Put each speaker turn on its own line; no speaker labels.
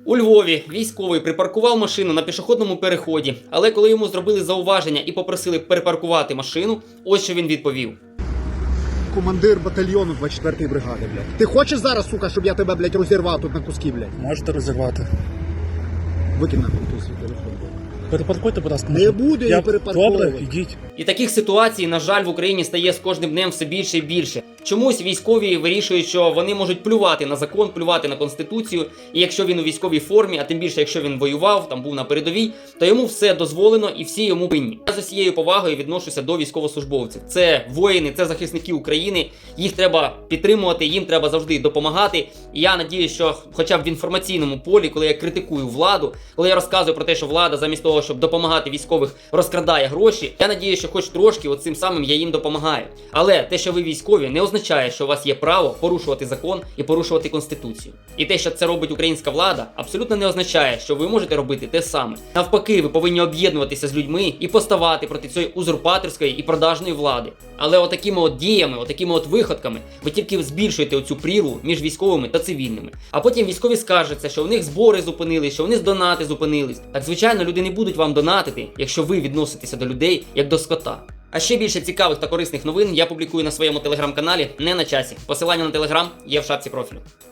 У Львові військовий припаркував машину на пішохідному переході, але коли йому зробили зауваження і попросили перепаркувати машину, ось що він відповів.
Командир батальйону 24-ї бригади, блядь. Ти хочеш зараз, сука, щоб я тебе, блядь, розірвав тут на куски, блядь?
Можете розірвати.
Викинь нахуй ту свій телефон.
Перепаркуйте, будь ласка.
Не буду я перепарковувати.
Добре, ідіть.
І таких ситуацій, на жаль, в Україні стає з кожним днем все більше і більше. Чомусь військові вирішують, що вони можуть плювати на закон, плювати на Конституцію, і якщо він у військовій формі, а тим більше, якщо він воював, там був на передовій, то йому все дозволено і всі йому винні. Я з усією повагою відношуся до військовослужбовців. Це воїни, це захисники України, їх треба підтримувати, їм треба завжди допомагати. І я надіюсь, що хоча б в інформаційному полі, коли я критикую владу, коли я розказую про те, що влада замість того, щоб допомагати військових, розкрадає гроші, я надіюсь, що хоч трошки оцим самим я їм допомагаю. Але те, що ви військові, не означає, що у вас є право порушувати закон і порушувати Конституцію. І те, що це робить українська влада, абсолютно не означає, що ви можете робити те саме. Навпаки, ви повинні об'єднуватися з людьми і поставати проти цієї узурпаторської і продажної влади. Але отакими от діями, отакими от виходками, ви тільки збільшуєте оцю прірву між військовими та цивільними. А потім військові скаржаться, що у них збори зупинились, що у них донати зупинились. Так, звичайно, люди не будуть вам донатити, якщо ви відноситеся до людей як до скота. А ще більше цікавих та корисних новин я публікую на своєму телеграм-каналі «Не на часі». Посилання на телеграм є в шапці профілю.